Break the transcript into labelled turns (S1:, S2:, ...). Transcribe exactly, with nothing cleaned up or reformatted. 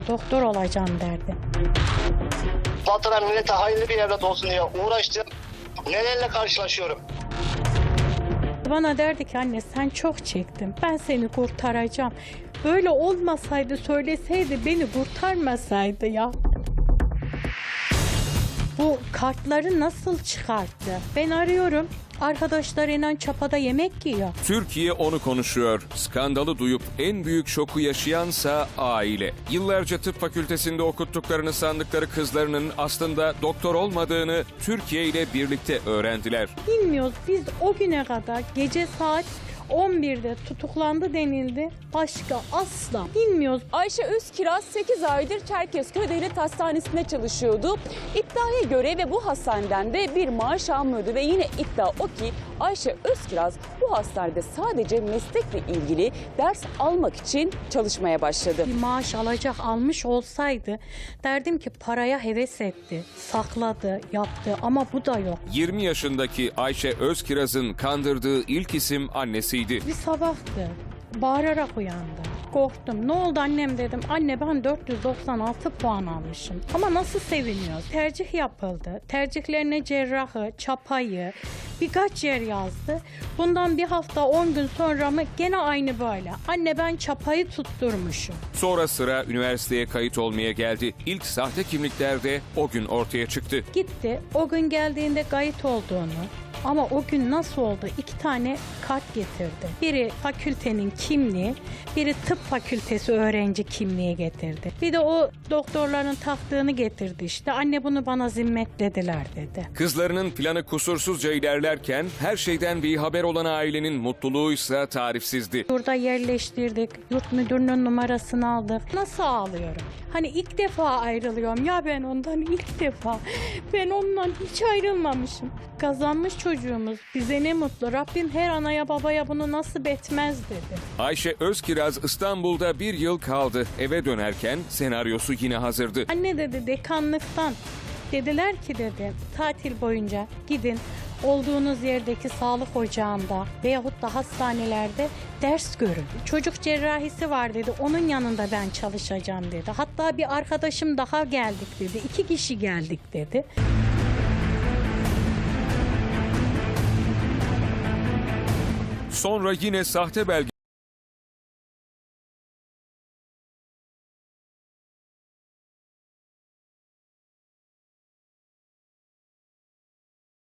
S1: Doktor olacağım derdi.
S2: Vatana millete hayırlı bir evlat olsun diye uğraştım. Nelerle karşılaşıyorum.
S1: Bana derdi ki anne sen çok çektin. Ben seni kurtaracağım. Böyle olmasaydı söyleseydi beni kurtarmasaydı ya. Bu kartları nasıl çıkarttı? Ben arıyorum. Arkadaşlarıyla çapada yemek yiyor.
S3: Türkiye onu konuşuyor. Skandalı duyup en büyük şoku yaşayansa aile. Yıllarca tıp fakültesinde okuttuklarını sandıkları kızlarının aslında doktor olmadığını Türkiye ile birlikte öğrendiler.
S1: Bilmiyoruz biz o güne kadar gece saat on birde tutuklandı denildi. Başka asla bilmiyoruz.
S4: Ayşe Özkiraz sekiz aydır Çerkezköy Devlet Hastanesi'nde çalışıyordu. İddiaya göre ve bu hastaneden de bir maaş almıyordu ve yine iddia o ki Ayşe Özkiraz bu hastanede sadece meslekle ilgili ders almak için çalışmaya başladı.
S1: Bir maaş alacak almış olsaydı derdim ki paraya heves etti, sakladı, yaptı ama bu da yok.
S3: yirmi yaşındaki Ayşe Özkiraz'ın kandırdığı ilk isim annesiydi.
S1: Bir sabahtı. Bağırarak uyandı. Korktum. Ne oldu annem dedim. Anne ben dört yüz doksan altı puan almışım. Ama nasıl seviniyoruz? Tercih yapıldı. Tercihlerine cerrahı, çapayı, birkaç yer yazdı. Bundan bir hafta on gün sonra mı gene aynı böyle. Anne ben çapayı tutturmuşum.
S3: Sonra sıra üniversiteye kayıt olmaya geldi. İlk sahte kimlikler de o gün ortaya çıktı.
S1: Gitti. O gün geldiğinde kayıt olduğunu ama o gün nasıl oldu? İki tane kart getirdi. Biri fakültenin kimliği, biri tıp fakültesi öğrenci kimliği getirdi. Bir de o doktorların taktığını getirdi işte. Anne bunu bana zimmetlediler dedi.
S3: Kızlarının planı kusursuzca ilerlerken her şeyden bir haber olan ailenin mutluluğuysa tarifsizdi.
S1: Burada yerleştirdik. Yurt müdürünün numarasını aldık. Nasıl ağlıyorum? Hani ilk defa ayrılıyorum. Ya ben ondan ilk defa. Ben ondan hiç ayrılmamışım. Kazanmış çocuğumuz. Bize ne mutlu. Rabbim her anaya babaya bunu nasip etmez dedi.
S3: Ayşe Özkiraz İstanbul'da bir yıl kaldı. Eve dönerken senaryosu yine hazırdı.
S1: Anne dedi dekanlıktan. Dediler ki dedi tatil boyunca gidin olduğunuz yerdeki sağlık ocağında veyahut da hastanelerde ders görün. Çocuk cerrahisi var dedi. Onun yanında ben çalışacağım dedi. Hatta bir arkadaşım daha geldik dedi. İki kişi geldik dedi.
S3: Sonra yine sahte belge